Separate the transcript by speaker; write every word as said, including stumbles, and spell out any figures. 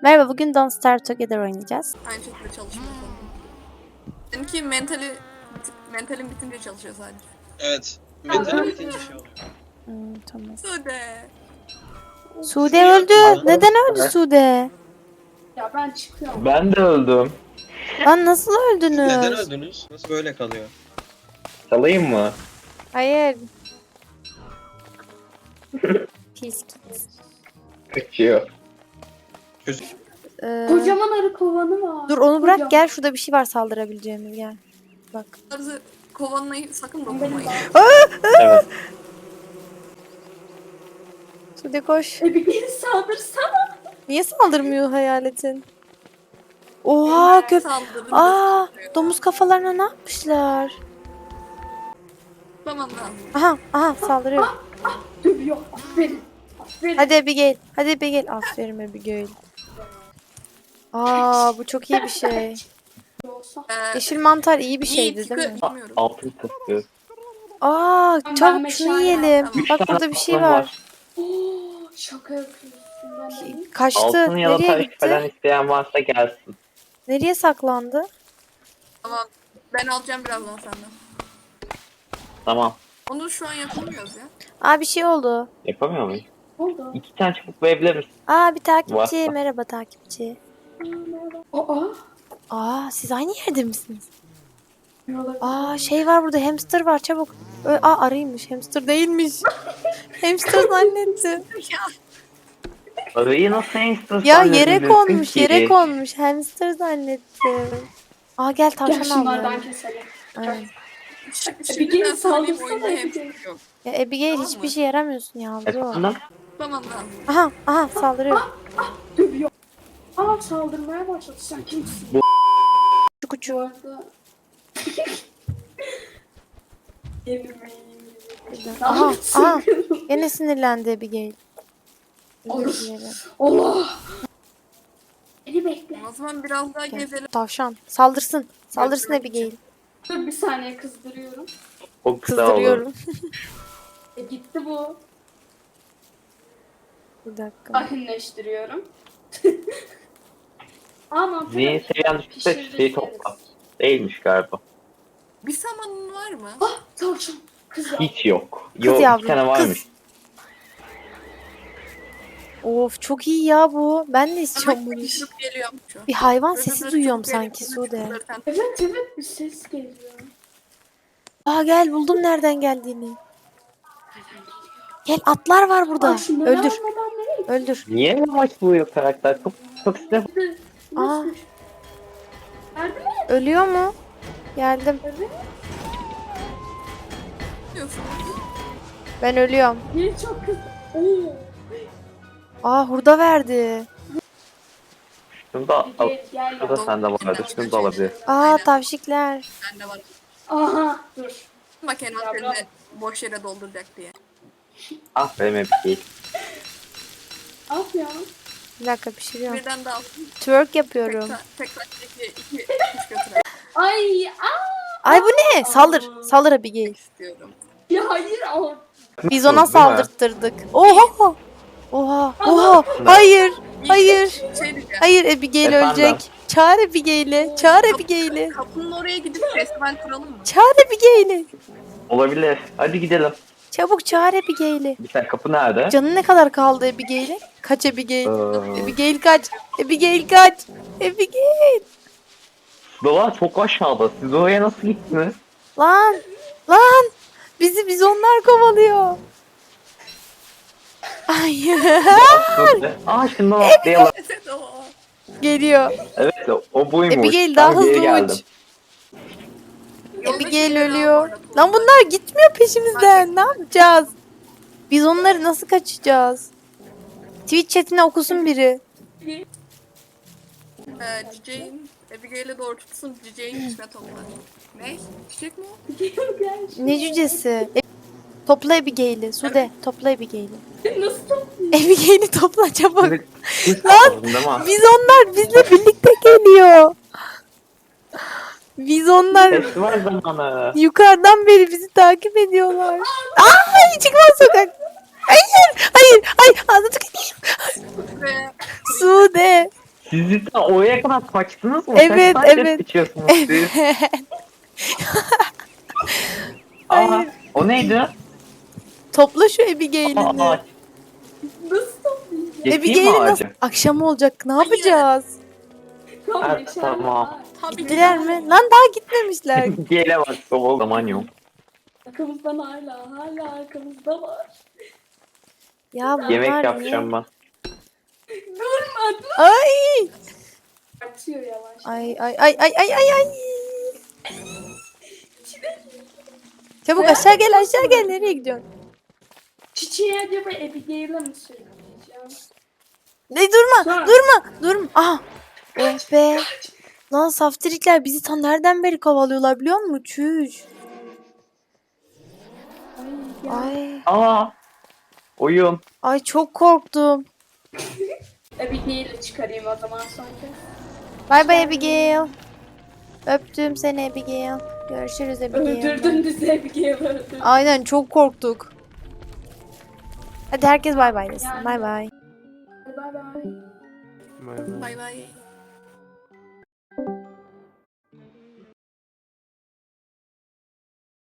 Speaker 1: Merhaba, bugün Don't Starve Together oynayacağız.
Speaker 2: Aynı şekilde çalışmıyor konu. Seninki mentali, mentalin bitince çalışıyor sadece.
Speaker 3: Evet. Mentali bitince şey oluyor.
Speaker 1: Hmm, tamam.
Speaker 2: Sude.
Speaker 1: Sude öldü. Neden öldü Sude?
Speaker 4: Ya ben çıkıyorum.
Speaker 5: Ben de öldüm.
Speaker 1: Lan nasıl öldünüz?
Speaker 3: Neden öldünüz? Nasıl böyle kalıyor?
Speaker 5: Salayım mı?
Speaker 1: Hayır. Pis kız.
Speaker 5: Kaçıyor.
Speaker 3: Çocuk.
Speaker 1: Ee,
Speaker 4: Kocaman arı kovanı var.
Speaker 1: dur onu bırak
Speaker 4: Kocaman.
Speaker 1: gel. Şurada bir şey var saldırabileceğimiz, gel. Bak.
Speaker 2: Tarzı kovanlayı sakın dokunmayın.
Speaker 5: Evet.
Speaker 1: Sude koş.
Speaker 4: E bir geri saldırsana.
Speaker 1: Niye saldırmıyor hayaletin? Oha köp.
Speaker 2: Saldırın.
Speaker 1: Aa, domuz kafalarına ne yapmışlar?
Speaker 2: Tamam lazım.
Speaker 1: Aha, aha saldırıyor.
Speaker 4: Dövüyor. Aferin. Aferin.
Speaker 1: Hadi Abigail. Hadi Abigail. Aferin Abigail. Aa, bu çok iyi bir şey.
Speaker 4: Olsa.
Speaker 2: Ee,
Speaker 1: Yeşil mantar iyi bir
Speaker 2: iyi,
Speaker 1: şeydi
Speaker 2: tıkı-
Speaker 1: değil mi?
Speaker 2: bilmiyorum.
Speaker 5: Altın tıklı.
Speaker 1: Aa,
Speaker 4: Ben
Speaker 1: çabuk
Speaker 4: meşale
Speaker 1: şunu yiyelim.
Speaker 2: yaptım.
Speaker 5: Üç
Speaker 1: Bak
Speaker 5: tane
Speaker 1: burada bir şey
Speaker 5: altın
Speaker 1: var.
Speaker 4: Oo, şaka yapıyorsun. Ben de-
Speaker 1: Kaçtı.
Speaker 5: Altın ya da
Speaker 1: Nereye
Speaker 5: taş
Speaker 1: gitti?
Speaker 5: falan isteyen varsa gelsin.
Speaker 1: Nereye saklandı?
Speaker 2: Tamam. Ben alacağım birazdan senden.
Speaker 5: Tamam.
Speaker 2: Onu şu an yapamıyoruz ya.
Speaker 1: Aa, bir şey oldu.
Speaker 5: Yapamıyor muyum?
Speaker 4: Oldu.
Speaker 5: İki tane çubuk verebilir misin?
Speaker 1: Aa, bir takipçi.
Speaker 5: Varsa.
Speaker 1: Merhaba takipçi.
Speaker 4: Aa.
Speaker 1: Aa, siz aynı yerde misiniz?
Speaker 4: Ne olabilir?
Speaker 1: Aa, şey var burada. Hamster var, çabuk. Ö Aa, arıymış. Hamster değilmiş. Hamster zannettim.
Speaker 5: Arayı nasıl hamster
Speaker 1: Ya yere
Speaker 5: zannedeceksin
Speaker 1: konmuş,
Speaker 5: ki?
Speaker 1: yere konmuş. Hamster zannettim. Aa, gel
Speaker 4: Gel
Speaker 1: tavşan
Speaker 4: şunlardan
Speaker 1: al.
Speaker 4: keselim.
Speaker 1: Aynen.
Speaker 2: Şimdi
Speaker 4: gelin
Speaker 2: ben söyleyeyim
Speaker 4: saldırsana
Speaker 2: oyunda
Speaker 4: bir
Speaker 2: hep
Speaker 4: kere.
Speaker 2: yok.
Speaker 1: Ya Abigail
Speaker 2: Tamam
Speaker 1: hiçbir
Speaker 2: mı?
Speaker 1: şey yaramıyorsun yavrum.
Speaker 5: Efendim?
Speaker 2: Tamam lazım.
Speaker 1: Aha, aha saldırıyor.
Speaker 4: Dövüyor. Aa saldırmaya başladı. Sen kimsin?
Speaker 5: Bu-
Speaker 1: Şu
Speaker 4: Bu
Speaker 1: kuçu.
Speaker 4: arada... Yemin
Speaker 1: Aha, aha. Gene sinirlendi Abigail.
Speaker 4: Olur.
Speaker 1: Özür dilerim.
Speaker 4: Allah. Beni bekle.
Speaker 2: O zaman biraz daha
Speaker 1: Gel.
Speaker 2: gezelim.
Speaker 1: Tavşan. Saldırsın. Saldırsın
Speaker 2: Götürmek
Speaker 1: Abigail.
Speaker 4: Dur bir saniye kızdırıyorum.
Speaker 5: Çok güzel oldu.
Speaker 1: Kızdırıyorum.
Speaker 4: E gitti bu.
Speaker 1: Bir dakika.
Speaker 4: Sakinleştiriyorum. Ama
Speaker 5: Zihin seviyen düşükse şeyi topla. Değilmiş galiba.
Speaker 2: Bir samanın var mı?
Speaker 4: Ah tavşan. Kız ya.
Speaker 5: Hiç yok.
Speaker 1: Kız
Speaker 5: Yok,
Speaker 1: yavrum,
Speaker 5: iki tane varmış.
Speaker 1: kız. Of, çok iyi ya bu. Ben de istiyorum
Speaker 2: Ama
Speaker 1: bunu.
Speaker 2: düşüp geliyorum şu an.
Speaker 1: Bir hayvan
Speaker 2: Böyle
Speaker 1: sesi
Speaker 2: böyle
Speaker 1: duyuyorum
Speaker 2: düşüp
Speaker 1: sanki
Speaker 2: geliyor.
Speaker 1: Sude.
Speaker 4: Evet evet bir ses geliyor.
Speaker 1: Aa, gel buldum nereden geldiğini. Gel, atlar var burada.
Speaker 4: Aa, şunları
Speaker 1: Öldür.
Speaker 4: almadan nereye
Speaker 1: Öldür.
Speaker 5: Niye yavaş buluyor karakter? Çok çok sinir.
Speaker 4: gitti?
Speaker 1: Aa.
Speaker 4: Nasıl? Nerede mi?
Speaker 1: Ölüyor mu? Geldim.
Speaker 2: Diyorsun.
Speaker 1: Ben ölüyorum.
Speaker 4: Niye çok kız? Oo.
Speaker 1: Aa, hurda verdi.
Speaker 5: Şunu da al.
Speaker 4: Gel gel.
Speaker 5: Şurada sende vardı. Şunu da alabilir.
Speaker 1: Aa, tavşikler.
Speaker 2: Bende var.
Speaker 4: Aha dur.
Speaker 2: Bak envanterini boş yere dolduracak diye.
Speaker 5: Ah benim hep değil.
Speaker 4: Al ya.
Speaker 1: Bir dakika pişiriyorum.
Speaker 2: Birden daha
Speaker 1: Twerk
Speaker 2: tek,
Speaker 1: yapıyorum.
Speaker 2: ta- tek taktaki iki kuş götürelim
Speaker 4: Ay aa.
Speaker 1: Ay bu ne? Saldır. Saldır Abigail.
Speaker 2: istiyorum.
Speaker 4: Ya hayır al.
Speaker 1: Biz ona
Speaker 5: Değil mi?
Speaker 1: saldırttırdık. Oha. Oha. Oha. Hayır. Hayır.
Speaker 2: Şey diyeceğim.
Speaker 1: Hayır, Abigail
Speaker 5: Efendim?
Speaker 1: ölecek. Çağır Abigail'i. Çağır Abigail'i.
Speaker 2: Kapının oraya gidip festival kuralım mı?
Speaker 1: Çağır Abigail'i.
Speaker 5: Olabilir. Hadi gidelim.
Speaker 1: Çabuk çağır Abigail'i.
Speaker 5: Bir tane kapı nerede?
Speaker 1: Canı ne kadar kaldı Abigail'e? Kaç Abigail?
Speaker 5: Ee,
Speaker 1: Abigail kaç. Abigail kaç. Abigail.
Speaker 5: Dolar çok aşağıda. Siz oraya nasıl gittiniz?
Speaker 1: Lan. Lan. Bizi biz onlar kovalıyor. Hayır.
Speaker 5: Aa şundan atlayalım.
Speaker 2: Evet o.
Speaker 1: Geliyor.
Speaker 5: Evet o, o buymuş.
Speaker 1: Abigail daha
Speaker 5: Ben geri
Speaker 1: hızlı
Speaker 5: geldim.
Speaker 1: uç.
Speaker 2: Yolda
Speaker 1: Abigail
Speaker 2: şeyleri al bu
Speaker 1: ölüyor.
Speaker 2: arada.
Speaker 1: Lan bunlar gitmiyor peşimizden. Ne yapacağız? Biz onları nasıl kaçacağız? Twitch chatine okusun biri.
Speaker 2: Ee, Cicek'in Abigail'e doğru tutsun, Cicek'in içine toplar. Ne? Çiçek mi o?
Speaker 4: Gel.
Speaker 1: Ne cücesi? E, topla Abigail'i. Sude topla Abigail'i.
Speaker 4: Nasıl topluyor?
Speaker 1: Abigail'i topla çabuk.
Speaker 5: Şimdi kuş lazım değil mi?
Speaker 1: Biz onlar bizle birlikte geliyor. Biz onlar
Speaker 5: Festival zamanı.
Speaker 1: yukarıdan beri bizi takip ediyorlar. Aa, çıkmaz sokak. Hayır, hayır, hayır. Ağzını tıkayım.
Speaker 2: Ve
Speaker 1: Sude.
Speaker 5: Siz cidden oraya kadar kaçtınız mı?
Speaker 1: Evet,
Speaker 5: Kaç saatte
Speaker 1: evet.
Speaker 5: sıçıyorsunuz siz? Aa,
Speaker 1: Hayır.
Speaker 5: o neydi?
Speaker 1: Topla şu
Speaker 5: Aa,
Speaker 1: Abigail'ini.
Speaker 4: Nasıl toplayacağım?
Speaker 5: Geçeyim mi
Speaker 1: Abigail'i nasıl?
Speaker 5: ağacı?
Speaker 1: Akşam olacak. Ne
Speaker 2: Hayır.
Speaker 1: yapacağız?
Speaker 4: Tamam,
Speaker 5: Ha,
Speaker 4: geçer.
Speaker 5: tamam.
Speaker 2: Tabii
Speaker 1: Gittiler
Speaker 2: ki.
Speaker 1: mi? Lan daha gitmemişler.
Speaker 5: Gele bak, o zaman yok.
Speaker 4: Arkamızdan hala, hala arkamızda var.
Speaker 1: Ya bunlar
Speaker 5: Yemek
Speaker 1: niye-
Speaker 5: yapacağım ben.
Speaker 4: Durma, dur.
Speaker 1: Ay.
Speaker 4: Atıyor yavaş.
Speaker 1: Ay ay ay ay ay ay ay. Çabuk aşağı gel aşağı gel. Nereye gidiyorsun?
Speaker 4: Çiçeği acaba Abigail'e mi söyleyeceğim?
Speaker 1: Ne durma
Speaker 4: Sonra-
Speaker 1: durma durma. Aha. Oh be. Lan saftirikler bizi tam nereden beri kovalıyorlar biliyor musun? Çüş.
Speaker 4: Ay ya.
Speaker 1: Ay.
Speaker 5: Aa, oyun.
Speaker 1: Ay çok korktum.
Speaker 4: Abigail'i çıkarayım o zaman sonra.
Speaker 1: Bay bay Abigail. Öptüm seni Abigail. Görüşürüz Abigail.
Speaker 4: Öldürdün bizi Abigail öldürdün.
Speaker 1: Aynen çok korktuk. Hadi herkes bay bay desin.
Speaker 4: Yani.
Speaker 1: Bay bay.
Speaker 4: Bay bay.
Speaker 2: Bay bay.